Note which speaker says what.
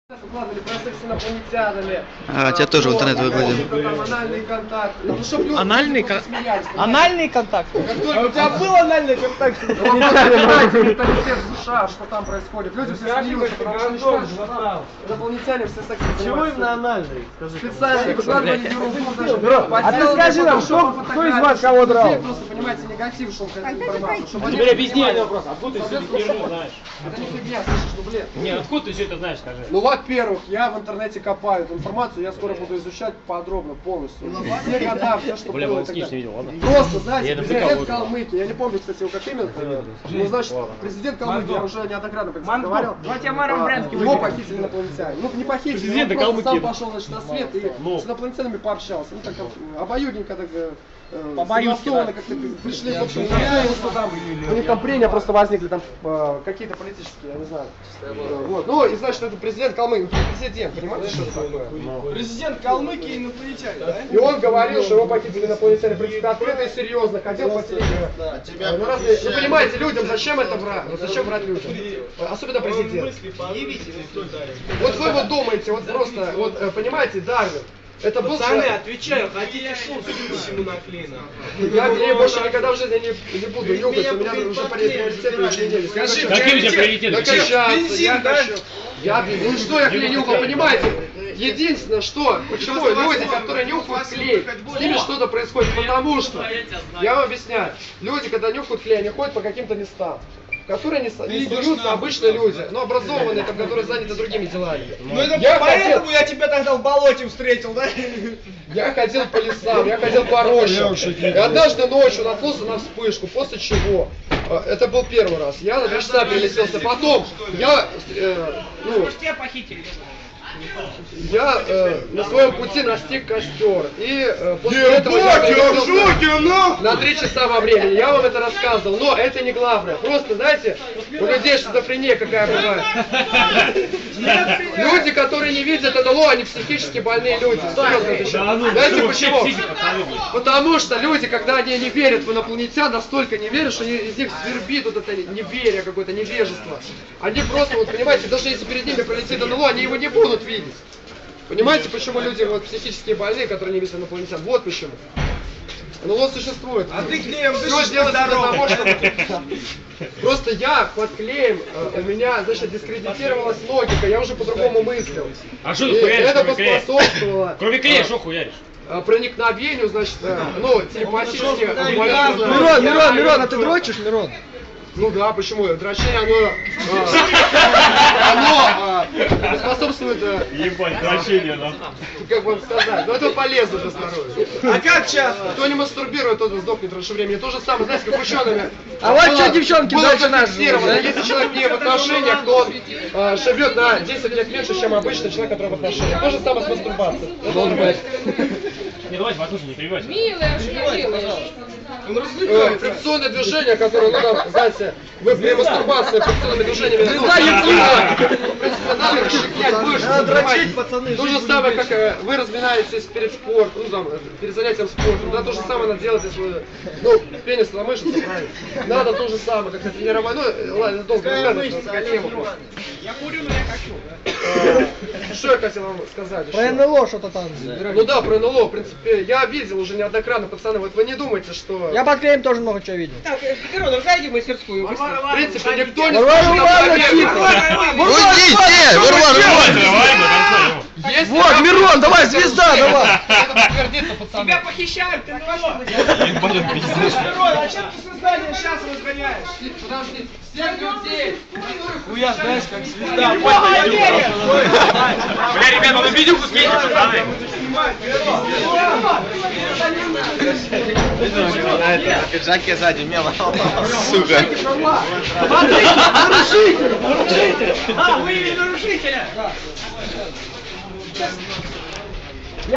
Speaker 1: Выкладывали про секс с инопланетянами.
Speaker 2: Тебя тоже в интернет выкладывали.
Speaker 1: Там анальный контакт. Ну, чтоб люди
Speaker 3: Анальный контакт?
Speaker 1: У
Speaker 3: тебя был анальный контакт?
Speaker 1: Менталитет США, что там происходит. Люди все смеются, потому что они считают, что там инопланетяне все секс занимаются.
Speaker 3: Чего именно анальный?
Speaker 1: Специально выкладывали ерунду даже.
Speaker 3: А ты скажи нам, кто из вас кого драл?
Speaker 1: Просто, понимаете, негатив, что он хотел информацию.
Speaker 4: Теперь объясни один вопрос, откуда ты все это херню знаешь?
Speaker 1: Это не фигня, слышишь, ну блин.
Speaker 4: Нет, откуда ты все это знаешь, скажи?
Speaker 1: Ну, во-первых, я в интернете копаю эту информацию, я скоро буду изучать подробно, полностью. Все года, все, что
Speaker 4: Бля,
Speaker 1: было.
Speaker 4: вот скинь, видел, ладно?
Speaker 1: Просто, знаете,
Speaker 4: Я это
Speaker 1: президент
Speaker 4: прикалываю.
Speaker 1: Калмыкии, я не помню, кстати, его как имя, ну, значит, президент Калмыкии, я уже неоднократно говорил, его похитили инопланетяне. Ну, не похитили,
Speaker 4: Президент
Speaker 1: он просто сам
Speaker 4: Калмыкии.
Speaker 1: пошел, значит, на свет и с инопланетянами пообщался. Ну, так обоюдненько так согласованно как-то пришли, в общем, что там, у них там прения просто возникли, там какие-то политические, я не знаю. Вот. Ну, и значит, это президент Калмыкии, президент, понимаете, что это такое?
Speaker 3: Президент Калмыкии инопланетяне, да?
Speaker 1: И он говорил, что его похитили инопланетяне, в принципе, открыто и серьезно, хотел по телевизору. Вы понимаете, людям зачем это брать? Вот зачем брать людям? Особенно президент. Вот вы вот думаете, вот просто, вот понимаете, Дарвин. Это был
Speaker 3: Пацаны, отвечаю, хотите шут всему наклеено.
Speaker 1: Я больше никогда в жизни не буду нюхать, у меня уже приоритеты изменились.
Speaker 3: Скажи,
Speaker 4: какие у тебя приоритеты?
Speaker 1: Ну что я клей нюхал, понимаете? Единственное, что, почему люди, которые нюхают клей, с ними что-то происходит, потому что, я вам объясняю, люди, когда нюхают клей, они ходят по каким-то местам, которые не суются обычные люди, но образованные, там, которые заняты другими делами.
Speaker 3: Ну это поэтому я тебя тогда в болоте встретил, да?
Speaker 1: Я ходил по лесам, я ходил по рощам. И однажды ночью наткнулся на вспышку, после чего, это был первый раз, я на 2 часа перелетелся, потом я,
Speaker 3: Тебя похитили.
Speaker 1: я на своем пути настиг костер, и после этого я перелетелся на 3 часа во времени, я вам это рассказывал, но это не главное, просто, знаете, у людей шизофрения какая бывает. Люди, которые не видят НЛО, они психически больные люди, серьезно отвечаю. Знаете почему? Потому что люди, когда они не верят в инопланетян, настолько не верят, что из них свербит вот это неверие, какое-то невежество. Они просто, вот понимаете, даже если перед ними пролетит НЛО, они его не будут видеть. Понимаете, почему люди вот психически больные, которые не видят инопланетян? Вот почему. НЛО существует.
Speaker 3: А ты клеем
Speaker 1: все
Speaker 3: дышишь
Speaker 1: делается для
Speaker 3: здорово.
Speaker 1: того, чтобы... Просто я под клеем, у меня, значит, дискредитировалась логика, я уже по-другому мыслил.
Speaker 4: А что
Speaker 1: И
Speaker 4: ты хуяришь,
Speaker 1: это
Speaker 4: кроме клея?
Speaker 1: поспособствовало
Speaker 4: Кроме клея, что хуяришь?
Speaker 1: проникновению, значит, ну, телепатически...
Speaker 3: Мирон, а ты дрочишь, Мирон?
Speaker 1: Ну да, почему? Дрочение, оно способствует,
Speaker 4: Ебать, дрочение, нахуй.
Speaker 1: как вам сказать, но это полезно для здоровья.
Speaker 3: А как часто?
Speaker 1: Кто не мастурбирует, тот сдохнет раньше времени. То же самое, знаете, как учеными.
Speaker 3: А вот что девчонки
Speaker 1: было
Speaker 3: дальше нас
Speaker 1: зафиксировано.
Speaker 3: живут, да?
Speaker 1: Если человек не в отношениях, то он живет на 10 лет меньше, чем обычный человек, который в отношениях. То же самое с мастурбацией. Это должен быть.
Speaker 4: Не, давайте, послушай, не перебивайся.
Speaker 5: Милая, что делаешь?
Speaker 1: Фрикционное движение, которое, ну, там, знаете, вы при мастурбации фрикционными движениями... В принципе, надо расширять мышцы, понимаете?
Speaker 3: пацаны,
Speaker 1: То же самое, как вы разминаетесь перед спортом, ну, там, перед занятием спортом, да, то же самое надо делать, если вы, ну, пенис на мышцы, правильно? Надо то же самое, как-то тренировать, ну, ладно, долго рассказывать, такая тема просто.
Speaker 3: Я курю, но я хочу.
Speaker 1: Что я хотел вам сказать еще?
Speaker 3: Про НЛО что-то там.
Speaker 1: Ну да, про НЛО, в принципе, я видел уже неоднократно, пацаны, вот вы не думайте, что...
Speaker 3: Я под клеем тоже много чего видел.
Speaker 5: Так, Мирон, зайди в мастерскую.
Speaker 1: В принципе, никто не
Speaker 3: Варвара, тихо!
Speaker 2: Уйдите! Варвара!
Speaker 4: Давай, мы танцуем.
Speaker 3: Вот, Мирон, давай, звезда, давай!
Speaker 1: Это подтвердится, пацаны.
Speaker 5: Тебя похищают, ты знаешь,
Speaker 3: Мирон, а чем ты создание сейчас разгоняешь?
Speaker 1: Подожди, всех людей,
Speaker 3: Хуя, знаешь, как звезда.
Speaker 4: Бля, ребята, ну видюху скиньте, пацаны.
Speaker 2: На пиджаке сзади мело. Сука.
Speaker 5: А, выявили нарушителя!